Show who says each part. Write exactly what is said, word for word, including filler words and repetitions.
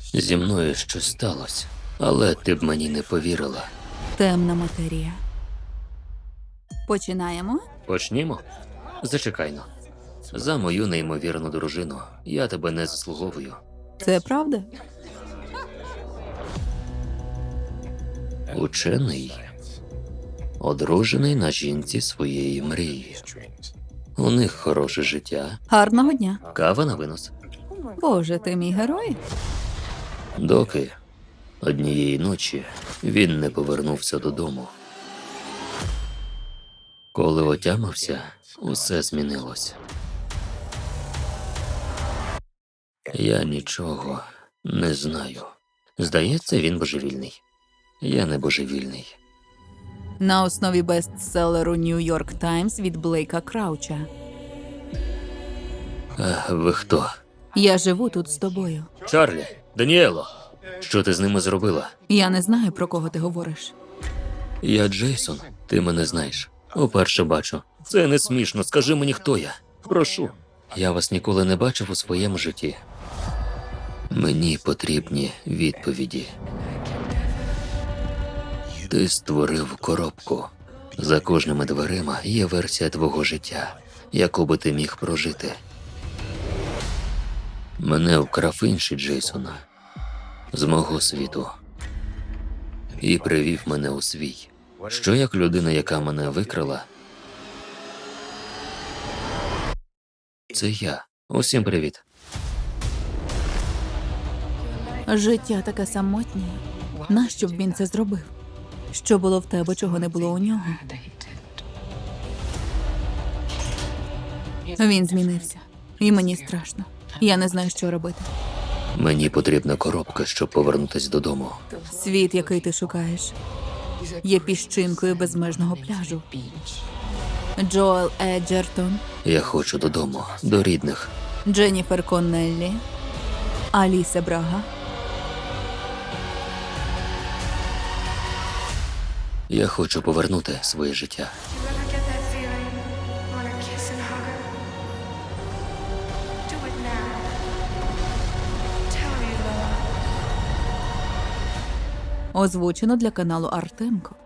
Speaker 1: Зі мною щось сталося, але ти б мені не повірила.
Speaker 2: Темна матерія. Починаємо?
Speaker 1: Почнімо? Зачекайно. За мою неймовірну дружину. Я тебе не заслуговую.
Speaker 2: Це правда?
Speaker 1: Учений, одружений на жінці своєї мрії. У них хороше життя,
Speaker 2: Гарного дня.
Speaker 1: кава на винос.
Speaker 2: Боже, ти мій герой?
Speaker 1: Доки однієї ночі він не повернувся додому. Коли отямився, усе змінилось. Я нічого не знаю. Здається, він божевільний. Я не божевільний.
Speaker 2: На основі бестселеру New York Times від Блейка Крауча.
Speaker 1: А ви хто?
Speaker 2: Я живу тут з тобою.
Speaker 1: Чарлі, Даніело, що ти з ними зробила?
Speaker 2: Я не знаю, про кого ти говориш.
Speaker 1: Я Джейсон, ти мене знаєш. Уперше бачу. Це не смішно, скажи мені, хто я. Прошу. Я вас ніколи не бачив у своєму житті. Мені потрібні відповіді. Ти створив коробку. За кожними дверима є версія твого життя, яку би ти міг прожити. Мене вкрав інший Джейсон з мого світу і привів мене у свій. Що як людина, яка мене викрала? Це я. Усім привіт.
Speaker 2: Життя таке самотнє. Нащо б він це зробив? Що було в тебе, чого не було у нього? Він змінився. І мені страшно. Я не знаю, що робити.
Speaker 1: Мені потрібна коробка, щоб повернутися додому.
Speaker 2: Світ, який ти шукаєш, є піщинкою безмежного пляжу. Джоел Еджертон,
Speaker 1: Я хочу додому, до рідних.
Speaker 2: Дженніфер Коннеллі, Аліса Брага.
Speaker 1: Я хочу повернути своє життя.
Speaker 3: When I get that feeling, wanna kiss and hug her. Do it now. Tell her you love her.
Speaker 2: Озвучено для каналу Артемко.